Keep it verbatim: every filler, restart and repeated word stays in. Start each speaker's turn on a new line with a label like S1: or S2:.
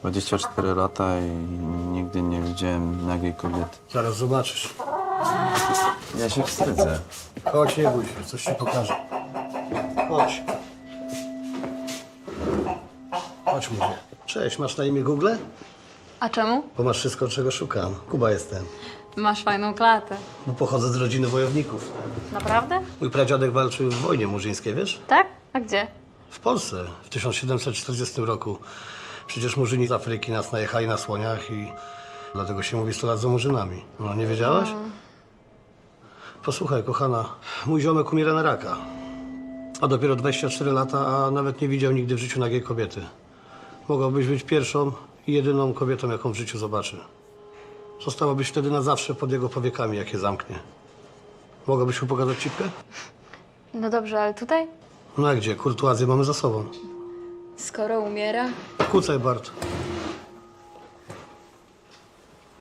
S1: dwadzieścia cztery lata i nigdy nie widziałem nagiej kobiety.
S2: Zaraz zobaczysz.
S1: Ja się wstydzę.
S2: Chodź, nie bój się, coś ci pokażę. Chodź. Chodź, mówię. Cześć, masz na imię Google?
S3: A czemu?
S2: Bo masz wszystko, czego szukam. Kuba jestem.
S3: Masz fajną klatę.
S2: No, pochodzę z rodziny wojowników.
S3: Naprawdę?
S2: Mój pradziadek walczył w wojnie murzyńskiej, wiesz?
S3: Tak? A gdzie?
S2: W Polsce w tysiąc siedemset czterdziestym roku. Przecież murzyni z Afryki nas najechali na słoniach i dlatego się mówi sto lat za murzynami. No, nie wiedziałaś? Posłuchaj, kochana, mój ziomek umiera na raka. A dopiero dwadzieścia cztery lata, a nawet nie widział nigdy w życiu nagiej kobiety. Mogłabyś być pierwszą i jedyną kobietą, jaką w życiu zobaczy. Zostałabyś wtedy na zawsze pod jego powiekami, jak je zamknie. Mogłabyś mu pokazać cipkę?
S3: No dobrze, ale tutaj?
S2: No a gdzie? Kurtuazję mamy za sobą.
S3: Skoro umiera?
S2: Kucaj, Bart.